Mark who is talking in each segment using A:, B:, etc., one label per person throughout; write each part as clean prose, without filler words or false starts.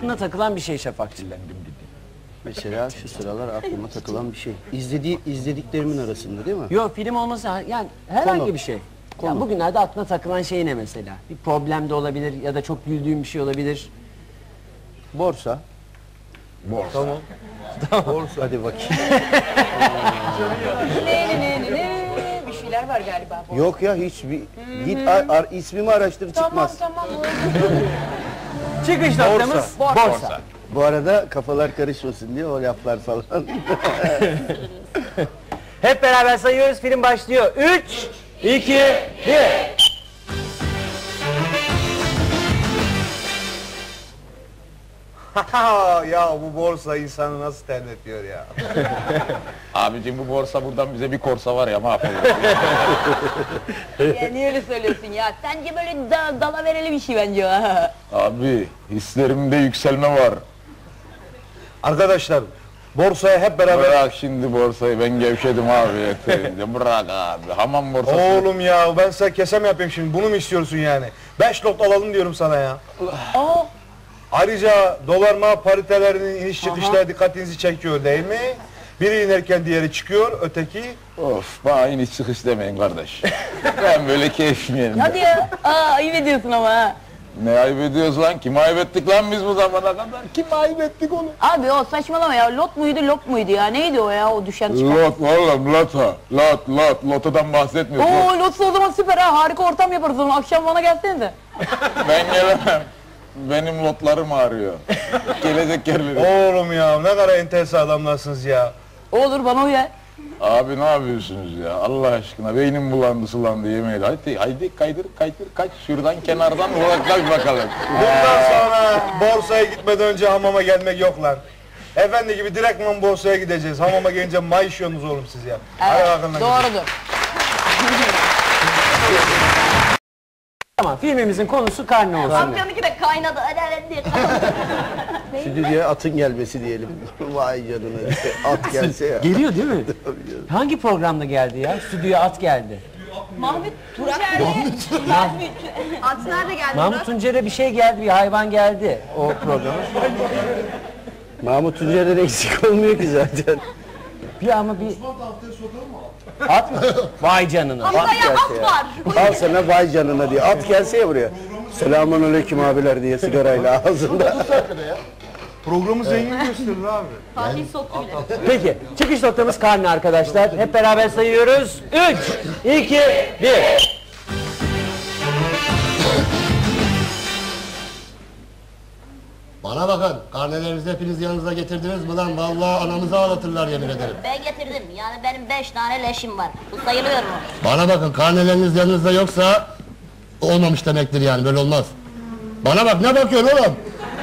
A: aklına takılan bir şey Şafakçı.
B: Mesela şu sıralar aklıma takılan bir şey. İzlediklerimin arasında değil mi?
A: Yok, film olması yani herhangi
B: Konu.
A: bir şey.
B: Konu.
A: Ya bugünlerde aklına takılan şey ne mesela? Bir problem de olabilir ya da çok güldüğün bir şey olabilir.
B: Borsa.
C: Tamam.
B: Borsa. Hadi bakayım.
D: Bir şeyler var galiba.
B: Yok ya hiçbir... Git ismimi araştır çıkmaz.
D: Tamam.
A: Çıkış noktamız borsa.
B: Bu arada kafalar karışmasın diye o laflar falan.
A: Hep beraber sayıyoruz, film başlıyor. 3, 2, 1.
C: Ya bu borsa insanı nasıl terletiyor ya.
E: Abicim bu borsa buradan bize bir korsa var ya mahvolur.
D: Ya niye öyle söylüyorsun ya? Sence böyle dala vereli bir şey bence ha.
E: Abi hislerimde yükselme var.
C: Arkadaşlar borsaya hep beraber...
E: Bırak şimdi borsayı, ben gevşedim abi yeterince. Bırak abi, hamam borsası.
C: Oğlum ya ben size kesem yapayım şimdi, bunu mu istiyorsun yani? 5 lot alalım diyorum sana ya. Ayrıca dolar ma paritelerinin iniş çıkışları dikkatinizi çekiyor değil mi? Biri inerken diğeri çıkıyor, öteki...
E: Of, bana iniş çıkış demeyin kardeş. Ben böyle keyfim yerinde.
D: Hadi ya. Ayıp ediyorsun ama ha.
E: Ne ayıp ediyoruz lan? Kim ayıp ettik lan biz bu zamana kadar? Kim ayıp ettik onu?
D: Abi o saçmalama ya. Lot muydu ya? Neydi o ya o düşen çıkan?
E: Lot oğlum, lota. Lotodan bahsetmiyorsun.
D: Oo lotsa o zaman süper ha. Harika ortam yaparız o zaman. Akşam bana gelsenize.
E: Ben gelemem. Benim lotlarım ağrıyor. Gelecek yerleri.
C: Oğlum ya ne kadar enteresan adamlarsınız ya.
D: Olur bana uyar.
E: Abi ne yapıyorsunuz ya? Allah aşkına beynim bulandı sulandı yemeği. Haydi kaydır kaç şuradan kenardan uzaklaş bakalım.
C: Bundan sonra borsaya gitmeden önce hamama gelmek yok lan. Efendi gibi direktman borsaya gideceğiz. Hamama gelince mayışıyorsunuz oğlum siz ya. Hadi bakalım.
D: Doğrudur.
A: Tamam, filmimizin konusu karne olsun.
D: Amcamınki de kaynadı. Hadi.
B: Stüdyoya atın gelmesi diyelim. Vay canına. At gelse ya.
A: Geliyor değil mi? Hangi programda geldi ya? Stüdyoya at geldi.
D: Mahmut Tuncer'de. At nerede geldi?
A: Mahmut Tuncer'e bir şey geldi, bir hayvan geldi o programa.
B: Mahmut Tuncer'den eksik olmuyor ki zaten.
A: Ama bir... At mı? Vay canına.
D: Hamza ya at var.
B: Al sana vay canına diye. At gelse ya buraya. Selamünaleyküm abiler diye sigarayla ağzında.
C: Programı zengin gösterir abi.
D: Fatih soktu bile.
A: Peki, çıkış noktamız karne arkadaşlar. Hep beraber sayıyoruz. 3, 2, 1.
F: Bana bakın, karnelerinizi hepiniz yanınıza getirdiniz mi lan? Vallahi anamızı ağlatırlar yemin ederim.
G: Ben getirdim. Yani benim 5 tane leşim var. Bu sayılıyor mu?
F: Bana bakın, karneleriniz yanınızda yoksa olmamış demektir yani, böyle olmaz. Bana bak, ne bakıyorsun oğlum?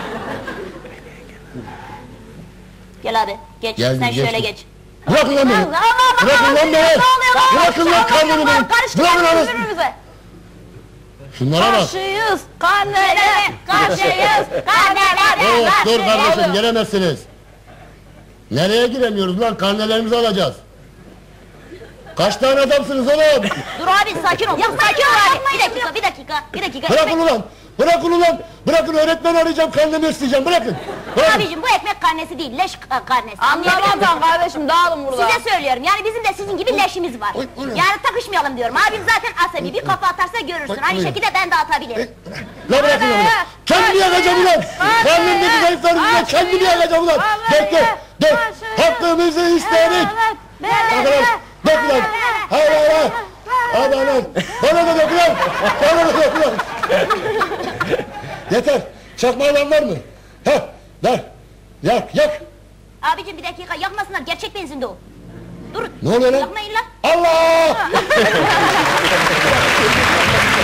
G: Gel abi. Geç.
F: Geldim,
G: Sen şöyle
F: geçtim.
G: geç.
F: Bırakın lan beni! Bırakın lan beni! Bırakın lan karnemi benim! Bırakın lan! Şunlara bak!
D: Karşıyız. Karnelere.
G: Karşıyız. Karneler.
F: Oh, dur kardeşim, giremezsiniz. Nereye giremiyoruz lan? Karnelerimizi alacağız. Kaç tane adamsınız oğlum?
G: Dur abi sakin ol. Ya sakin ol abi. Bir dakika.
F: Bırakın ulan! Bırakın ulan! Bırakın, öğretmen arayacağım, karnemi isteyeceğim, bırakın! Bırakın!
G: Abicim bu ekmek karnesi değil. Leş karnesi. Anlayabiliyor musun?
D: Anlamazsan kardeşim dağılın burada.
G: Size söylüyorum. Yani bizim de sizin gibi leşimiz var. Yani takışmayalım diyorum. Abim zaten asabi. Bir kafa atarsa görürsün. Aynı şekilde ben de atabilirim.
F: La bırakın ulan! Kendimi yakacağım ulan! Karnımdaki zayıflarım ulan! Kendimi yakacağım ulan! Bekle! Dur! Hakkımızı istedik! Arkadaş! Dök ulan! Hayır! Hadi lan! Bana da dök ulan! Bana da dök ulan! Yeter! Çakma alan var mı? Heh! Ver! Yak!
G: Abicim bir dakika yakmasınlar. Gerçek benzinde o. Dur.
F: Ne oluyor lan?
G: Yakmayın lan.
F: Allah!